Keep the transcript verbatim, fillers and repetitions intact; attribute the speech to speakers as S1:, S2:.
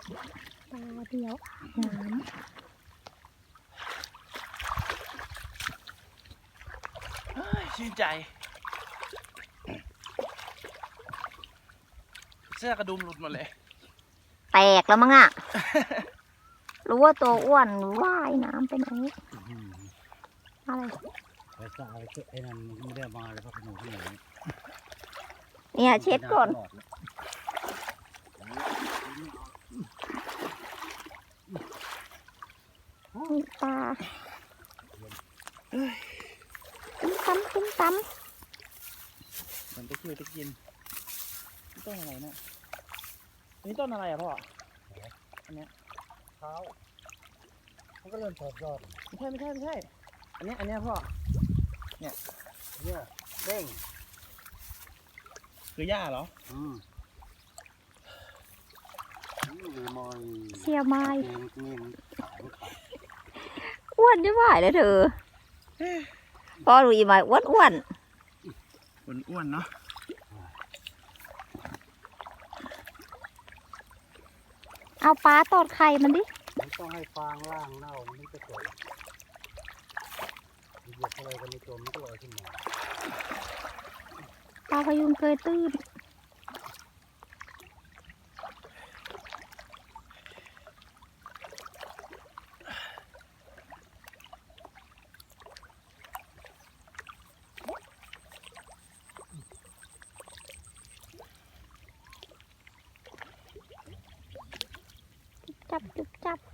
S1: ปลาเดียวน้ำ
S2: ชื่นใจเสื้อกระดุมหลุดหมดเลย
S1: แตกแล้วมั้งอ่ะ รู้ว่าตัวอ้วนว่ายน้ำไปไหนอะไร
S3: ไปสาวไอ้นั่นไม่ได้มาเลยเพราะขนมที่ไหน
S1: เนี่ยเช็ดก่อนมีปลาตุ้มตั้มตุ้มตั้ม
S2: มันจะคิวจะกินต้นอะไรเนี่ยนี่ต้นอะไรอ่ะพ่ออันเนี้ย
S3: เท้ามันก็เริ่มถอดยอด
S2: ไม่ใช่ไม่ใช่ไม่ใช่อันเนี้ยอันเนี้ยพ่อเนี่ย
S3: เนี่ยเด้ง
S2: คือหญ้าเหรอ
S3: อืม
S1: เสียไม้อ้วนจะไหวเลยเธอพอดูอีไม้อ้วนอ้วน
S2: อ้วนๆเนาะ
S1: เอาปลาตอดไข่มันดิ
S3: มันต้องให้ฟางล่างเน่ามันจะจมเหยียบอะไรกันไม่จมมันก็ลอยขึ้นมา
S1: ปลาพยุงเคยตื้นจับจุบจับ